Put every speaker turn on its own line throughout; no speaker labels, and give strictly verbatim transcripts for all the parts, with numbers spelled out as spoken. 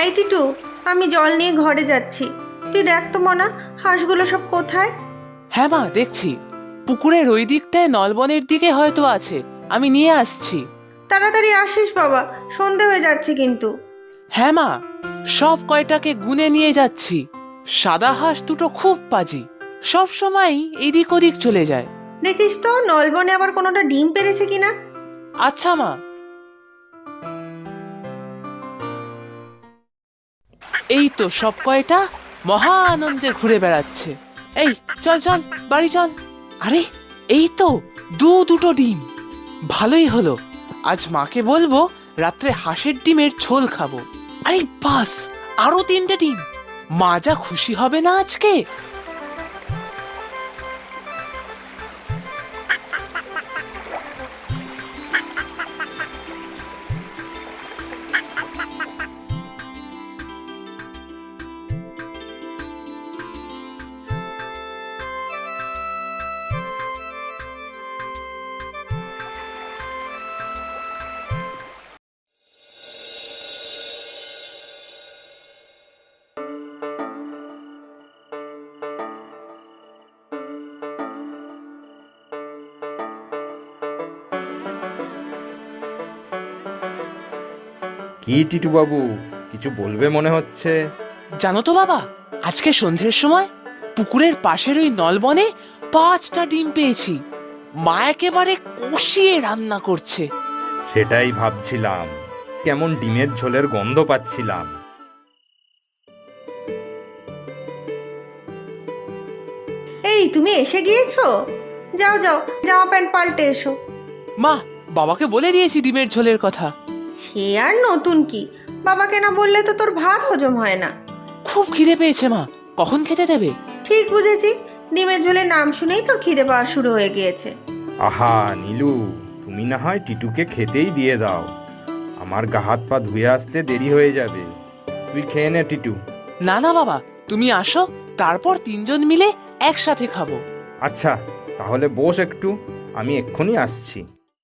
এই টিটু, আমি জল নিয়ে ঘরে যাচ্ছি, তুই দেখ তো মনা, হাঁসগুলো সব কোথায়?
হ্যাঁ মা, দেখছি পুকুরের ওই দিকটায় নলবনের দিকে হয়তো আছে, আমি নিয়ে আসছি।
তাড়াতাড়ি আসিস বাবা, সন্ধে হয়ে যাচ্ছে কিন্তু।
হ্যাঁ মা, সব কয়টাকে গুনে নিয়ে যাচ্ছি। সাদা হাঁস দুটো খুব পাজি, সব সময় এদিক ওদিক চলে যায়।
দেখিস তো নলবনে আবার কোনোটা ডিম পেড়েছে কিনা।
আচ্ছা মা। এই তো সব কয়টা মহা আনন্দে ঘুরে বেড়াচ্ছে। এই চল চল, বাড়ি চল। আরে এই তো দু দুটো ডিম, ভালোই হলো। আজ মাকে বলবো রাত্রে হাঁসের ডিমের ঝোল খাবো। আরে বাস, আরো তিনটে ডিম, মা যা খুশি হবে না আজকে।
কি টিটু বাবু, কিছু বলবে মনে হচ্ছে?
জানো তো বাবা, আজকে সন্ধ্যের সময় পুকুরের পাশের ওই নলবনে পাঁচটা ডিম পেয়েছি। মা একেবারে কষিয়ে রান্না করছে।
সেটাই ভাবছিলাম, কেমন ডিমের ঝোলের গন্ধ পাচ্ছিলাম।
এই তুমি এসে গিয়েছো? যাও যাও, জামা প্যান্ট পাল্টে এসো।
মা, বাবাকে বলে দিয়েছি ডিমের ঝোলের কথা।
সে আর নতুন কি, বাবাকে না বললে তো তোর ভাত হজম হয় না।
খুব খিদে পেয়েছে মা, কখন খেতে দেবে?
ঠিক বুঝেছি, ডিমের ঝোলের নাম শুনেই তোর খিদে পাওয়া শুরু হয়ে গিয়েছে।
আহা নীলু, তুমি না হয় টিটুকে খেতেই দিয়ে দাও, আমার গা হাত পা ধুয়ে আসতে দেরি হয়ে যাবে। তুই খেয়ে নে টিটু।
না না বাবা, তুমি আসো, তারপর তিনজন মিলে একসাথে খাবো।
আচ্ছা তাহলে বস একটু, আমি এক্ষুনি আসছি।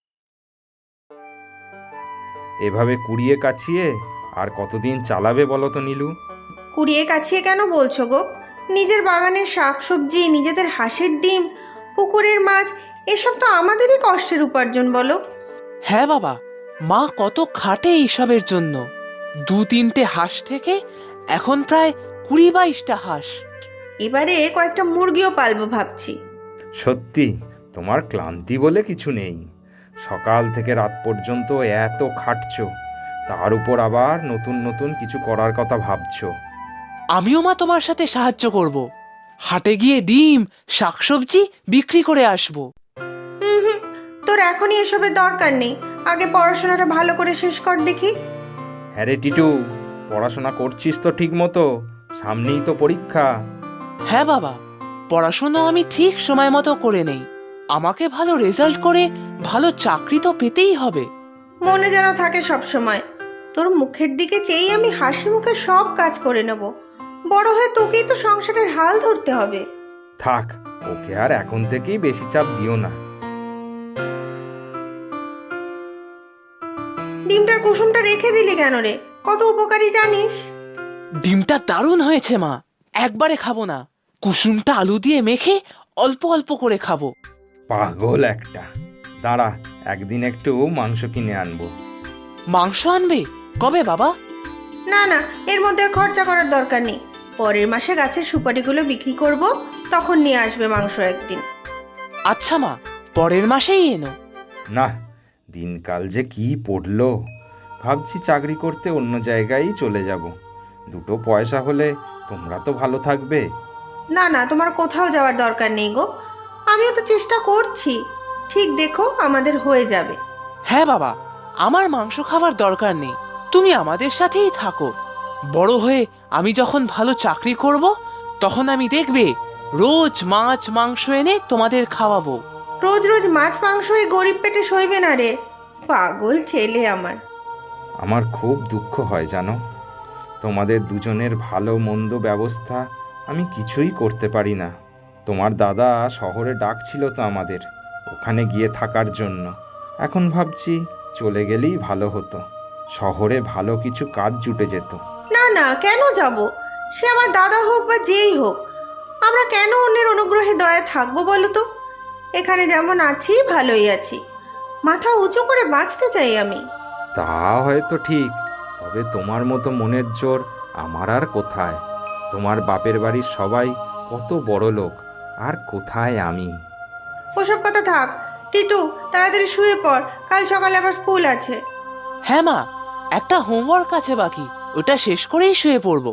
এভাবে কুড়িয়ে কাছিয়ে আর কতদিন চালাবে বলো তো নীলু?
কুড়িয়ে কাছিয়ে কেন বলছো গো? নিজের বাগানের শাকসবজি, নিজেদের হাঁসের ডিম, পুকুরের মাছ, এসব তো আমাদেরই কষ্টের উপার্জন বলো।
হ্যাঁ বাবা, মা কত খাটে এইসবের জন্য। দু তিনটে হাঁস থেকে এখন প্রায় কুড়ি বাইশটা হাঁস।
এবারে কয়েকটা মুরগিও পালবো ভাবছি।
সত্যি তোমার ক্লান্তি বলে কিছু নেই, সকাল থেকে রাত পর্যন্ত এত খাটছো, তার উপর আবার নতুন নতুন কিছু করার কথা ভাবছো।
আমিও মা তোমার সাথে সাহায্য করব, হাটে গিয়ে ডিম শাকসবজি বিক্রি করে আসবো।
হুম হুম, তোর এখনই এসবের দরকার নেই, আগে পড়াশোনাটা ভালো করে শেষ কর দেখি।
হ্যাঁ রে টিটু, পড়াশোনা করছিস তো ঠিক মতো? সামনেই তো পরীক্ষা।
হ্যাঁ বাবা, পড়াশোনা আমি ঠিক সময় মতো করে নেই। আমাকে ভালো রেজাল্ট করে ভালো চাকরি তো পেতেই হবে।
মনে যেন থাকে সব সময়, তোর মুখের দিকে চেয়েই আমি হাসি মুখে সব কাজ করে নেব। বড় হয়ে তোকেই তো সংসারের হাল ধরতে হবে।
থাক, ওকে আর এখন থেকেই বেশি চাপ দিও না।
ডিমটার কুসুমটা রেখে দিলি কেন রে? কত উপকারী জানিস?
ডিমটা দারুণ হয়েছে মা, একবারে খাবো না, কুসুমটা আলু দিয়ে মেখে অল্প অল্প করে খাবো।
পাগল একটা, দাঁড়া, একদিন একটু মাংস কিনে আনবো।
মাংস আনবে? কবে বাবা?
না না, এর মধ্যে আর খরচা করার দরকার নেই। পরের মাসে গাছের সুপারিগুলো বিক্রি করব, তখন নিয়ে আসবে মাংস একদিন।
আচ্ছা মা, পরের মাসেই এনো।
না, দিনকাল যে কি পড়লো, ভাবছি চাকরি করতে অন্য জায়গায় চলে যাব। দুটো পয়সা হলে তোমরা তো ভালো থাকবে।
না না, তোমার কোথাও যাওয়ার দরকার নেই গো, আমিও তো চেষ্টা করছি। ঠিক দেখো, আমাদের হয়ে যাবে।
হ্যাঁ বাবা, আমার মাংস খাবার দরকার নেই, তুমি আমাদের সাথেই থাকো। বড় হয়ে আমি যখন ভালো চাকরি করব, তখন আমি দেখবে রোজ মাছ মাংস এনে তোমাদের খাওয়াবো।
রোজ রোজ মাছ মাংস এই গরিব পেটে সইবে না রে, পাগল ছেলে আমার।
আমার খুব দুঃখ হয় জানো, তোমাদের দুজনের ভালো মন্দ ব্যবস্থা আমি কিছুই করতে পারি না। তোমার দাদা শহরে ডাকছিল তো আমাদের ওখানে গিয়ে থাকার জন্য। এখন ভাবছি চলে গেলেই ভালো হতো, শহরে ভালো কিছু কাজ জুটে যেত।
না না, কেন যাব? সে আমার দাদা হোক বা যেই হোক, আমরা কেন অন্যের অনুগ্রহে দয়া থাকবো বলো তো? এখানে যেমন আছি ভালোই আছি, মাথা উঁচু করে বাঁচতে চাই আমি।
তা হয়তো ঠিক, তবে তোমার মতো মনের জোর আমার আর কোথায়? তোমার বাপের বাড়ির সবাই কত বড় লোক, আর কোথায় আমি?
ওসব কথা থাক। টিটু, তাড়াতাড়ি শুয়ে পড়, কাল সকালে আবার স্কুল আছে।
হ্যাঁ মা, একটা হোমওয়ার্ক আছে বাকি, ওটা শেষ করেই শুয়ে পড়বো।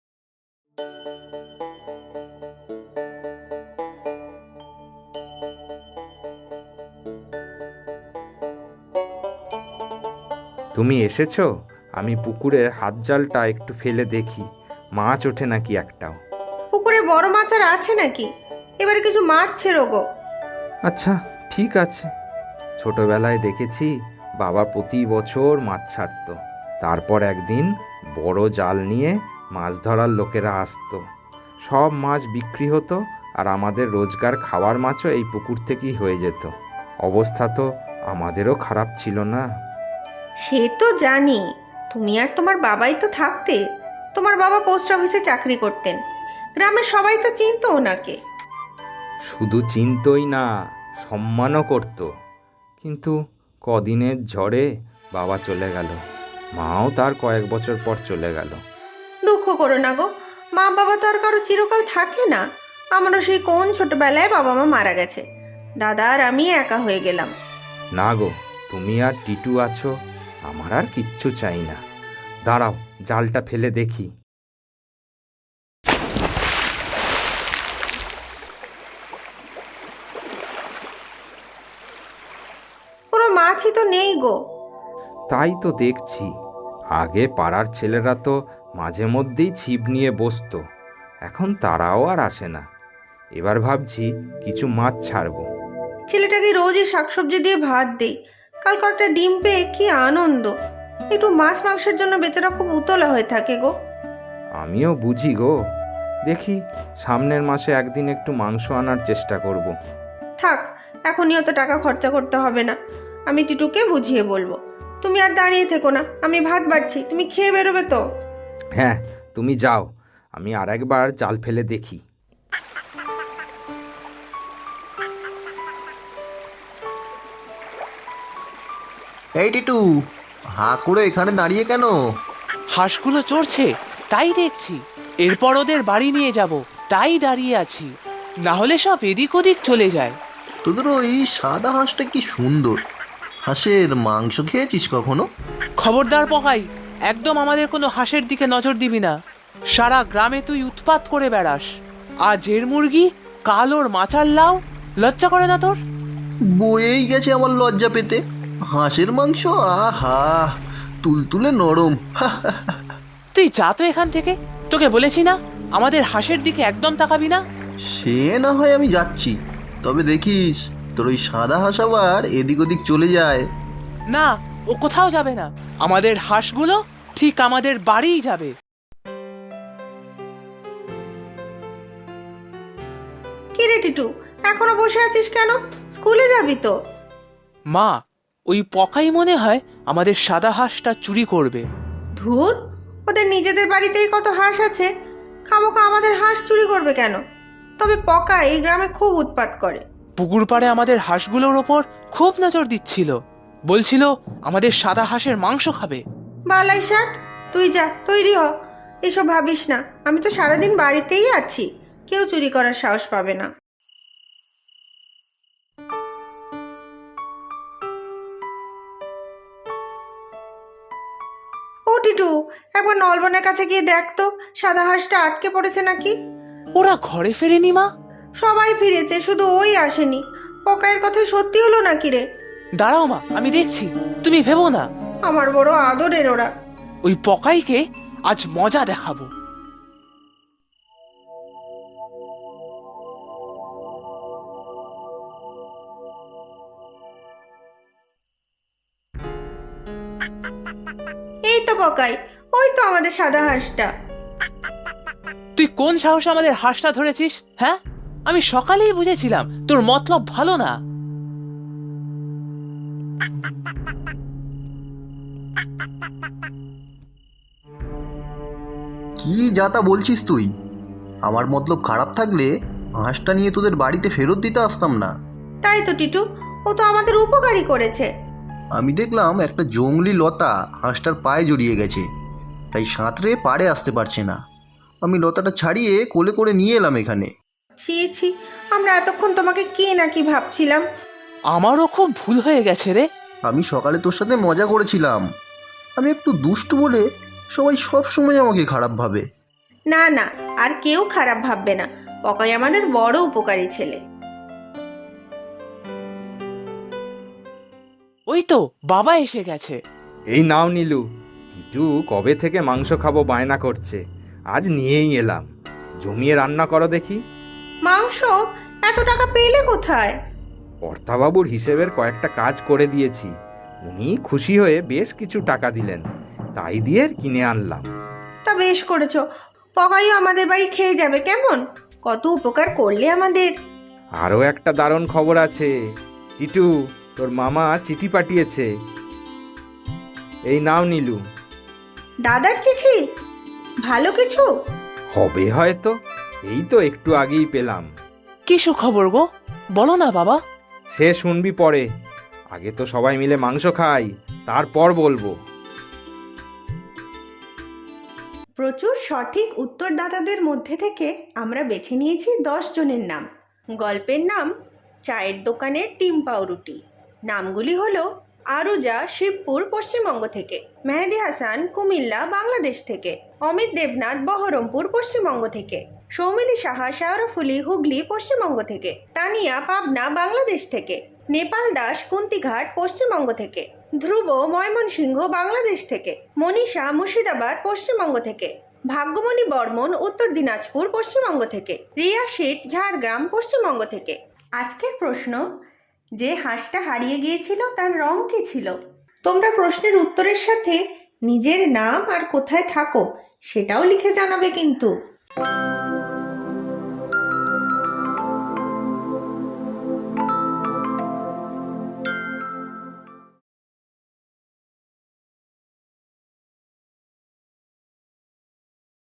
তুমি এসেছো? আমি পুকুরের হাত জালটা একটু ফেলে দেখি মাছ ওঠে নাকি একটাও।
পুকুরে বড় মাছ আর আছে নাকি? এবারে কিছু মাছ ছেড়ো গো।
আচ্ছা, ঠিক আছে। ছোটবেলায় দেখেছি বাবা প্রতি বছর মাছ ছাড়তো, তারপর একদিন বড় জাল নিয়ে মাছ ধরার লোকেরা আসতো, সব মাছ বিক্রি হতো, আর আমাদের রোজগার খাওয়ার মাছও এই পুকুর থেকেই হয়ে যেত। অবস্থা তো আমাদেরও খারাপ ছিল না।
সে তো জানি, তুমি আর তোমার বাবাই তো থাকতে। তোমার বাবা পোস্ট অফিসে চাকরি করতেন, গ্রামের সবাই তো চিনতো ওনাকে।
শুধু চিনতই না, সম্মানও করত। কিন্তু কদিনের ঝড়ে বাবা চলে গেল, মাও তার কয়েক বছর পর চলে গেল।
দুঃখ করো না গো, মা বাবা তো আর কারো চিরকাল থাকে না। আমারও সেই কোন ছোটবেলায় বাবা মা মারা গেছে, দাদা আর আমি একা হয়ে গেলাম।
না গো, তুমি আর টিটু আছো, আমার আর কিচ্ছু চাই না। দাঁড়াও, জালটা ফেলে দেখি।
কোনো মাছই তো নেই গো।
তাই তো দেখছি, আগে পাড়ার ছেলেরা তো মাঝে মধ্যেই ছিপ নিয়ে বসতো, এখন তারাও আর আসে না। এবার ভাবছি কিছু মাছ ছাড়বো।
ছেলেটাকে রোজই শাকসবজি দিয়ে ভাত দেই, কাল কয়েকটা ডিম পেয়ে কি আনন্দ। একটু মাছ মাংসের জন্য বেচারা খুব উতলা হয়ে থাকে গো।
আমিও বুঝি গো, দেখি সামনের মাসে একদিন একটু মাংস আনার চেষ্টা করব।
থাক, এখনই অত টাকা খরচা করতে হবে না, আমি টিটুকে বুঝিয়ে বলবো। তুমি আর দাঁড়িয়ে থেকো না, আমি ভাত বাড়ছি, তুমি খেয়ে বেরোবে তো।
হ্যাঁ, তুমি যাও, আমি আর একবার জাল ফেলে দেখি।
এই টিটু, হাঁ করে এখানে দাঁড়িয়ে কেন?
হাঁসগুলো চড়ছে, তাই দেখছি। এরপর ওদের বাড়ি নিয়ে যাব, তাই দাঁড়িয়ে আছি, না হলে সব এদিক ওদিক চলে যায়।
তোদের ওই সাদা হাঁসটা কি সুন্দর। হাঁসের মাংস খেয়েছিস কখনো?
খবরদার পকাই, একদম আমাদের কোনো হাঁসের দিকে নজর দিবি না। সারা গ্রামে তুই উৎপাত করে বেড়াস, আজ এর মুরগি, কাল ওর মাচার লাউ। লজ্জা করে না তোর?
বয়েই গেছে আমার লজ্জা পেতে। হাঁসের মাংস, আহা, তুলতুলে নরম।
তুই যা তো এখান থেকে, তোকে বলেছি না আমাদের হাঁসের দিকে একদম তাকাবি না।
সে না হয় আমি যাচ্ছি, তবে দেখিস তোর ওই সাদা হাঁস আবার এদিক ওদিক চলে যায়।
না, ও কোথাও যাবে না, আমাদের হাঁসগুলো ঠিক আমাদের বাড়িই যাবে।
কি রে টিটু, এখনো বসে আছিস কেন? স্কুলে যাবি তো?
মা, ওই পকাই মনে হয় আমাদের সাদা হাঁসটা চুরি করবে।
ধুর, ওদের নিজেদের বাড়িতেই কত হাঁস আছে, খামোখা আমাদের হাঁস চুরি করবে কেন? তবে পকা এই গ্রামে খুব উৎপাত করে।
পুকুর পাড়ে আমাদের হাঁসগুলোর ওপর খুব নজর দিচ্ছিল, বলছিল আমাদের সাদা হাঁসের মাংস খাবে।
বালাই ষাট, তুই যা, তৈরি হ। এসব ভাবিস না, আমি তো সারাদিন বাড়িতেই আছি, কেউ চুরি করার সাহস পাবে না। ও টিটু, একবার নলবনের কাছে গিয়ে দেখ তো সাদা হাঁসটা আটকে পড়েছে নাকি।
ওরা ঘরে ফেরেনি মা?
সবাই ফিরেছে, শুধু ওই আসেনি। পকায়ের কথাই সত্যি হলো নাকি রে?
দাঁড়াও মা, আমি দেখছি, তুমি ভেবো না।
আমার বড় আদরের ওরা।
ওই পকাইকে আজ মজা দেখাবো।
এই তো পকাই, ওই তো আমাদের সাদা হাঁসটা।
তুই কোন সাহসে আমাদের হাঁসটা ধরেছিস? হ্যাঁ, আমি সকালেই বুঝেছিলাম তোর মতলব ভালো না।
কি যাতা বলছিস তুই? আমার মতলব খারাপ থাকলে হাঁসটা নিয়ে তোদের বাড়িতে ফেরত দিতে আসতাম না।
তাই তো টিটু, ও তো আমাদের উপকারই করেছে।
আমি দেখলাম একটা জংলি লতা হাঁসটার পায়ে জড়িয়ে গেছে, তাই সাঁতরে পাড়ে আসতে পারছে না। আমি লতাটা ছাড়িয়ে কোলে করে নিয়ে এলাম এখানে।
ছি ছি, আমরা এতক্ষণ তোমাকে কে না কি ভাবছিলাম।
আমারও খুব ভুল হয়ে গেছে রে।
আমি সকালে তোর সাথে মজা করেছিলাম। আমি একটু দুষ্টু বলে সবাই সব সময় আমাকে খারাপ ভাবে।
না না, আর কেউ খারাপ ভাববে না। পকাই আমাদের বড় উপকারী ছেলে।
ওই তো বাবা এসে গেছে।
এই নাও নীলু, টিটু কবে থেকে মাংস খাবো বায়না করছে, আজ নিয়েই এলাম। জমিয়ে রান্না করো দেখি।
মাংস? এত টাকা পেলে কোথায়?
কর্তাবাবুর হিসেবের কয়েকটা কাজ করে দিয়েছি, উনি খুশি হয়ে বেশ কিছু টাকা দিলেন, তাই দিয়ে কিনে আনলাম।
তা বেশ করেছো। পকাইও আমাদের বাড়ি খেয়ে যাবে কেমন? কত উপকার করলে আমাদের।
আরও একটা দারুণ খবর আছে টিটু, তোর মামা চিঠি পাঠিয়েছে। এই নাও নীলু।
দাদার চিঠি? ভালো কিছু?
হবে হয়তো, এই তো একটু আগেই পেলাম।
কি সুখবর গো, বলো না বাবা।
সে শুনবি পরে, আগে তো সবাই মিলে মাংস খাই, তারপর বলবো।
প্রচুর সঠিক উত্তরদাতাদের মধ্যে থেকে আমরা বেছে নিয়েছি দশ জনের নাম। গল্পের নাম চায়ের দোকানের ডিম পাউরুটি। নামগুলি হলো আরুজা, শিবপুর, পশ্চিমবঙ্গ থেকে; মেহেদি হাসান, কুমিল্লা, বাংলাদেশ থেকে; অমিত দেবনাথ, বহরমপুর, পশ্চিমবঙ্গ থেকে; সৌমিলি সাহা, শাহরফুলি, হুগলি, পশ্চিমবঙ্গ থেকে; তানিয়া, পাবনা, বাংলাদেশ থেকে; নেপাল দাস, কুন্তিঘাট, পশ্চিমবঙ্গ থেকে; ধ্রুব, ময়মনসিংহ, বাংলাদেশ থেকে; মনীষা, মুর্শিদাবাদ, পশ্চিমবঙ্গ থেকে; ভাগ্যমণি বর্মন, উত্তর দিনাজপুর, পশ্চিমবঙ্গ থেকে; রিয়া শেঠ, ঝাড়গ্রাম, পশ্চিমবঙ্গ থেকে। আজকের প্রশ্ন, যে হাঁসটা হারিয়ে গিয়েছিল তার রং কী ছিল? তোমরা প্রশ্নের উত্তরের সাথে নিজের নাম আর কোথায় থাকো সেটাও লিখে জানাবে কিন্তু।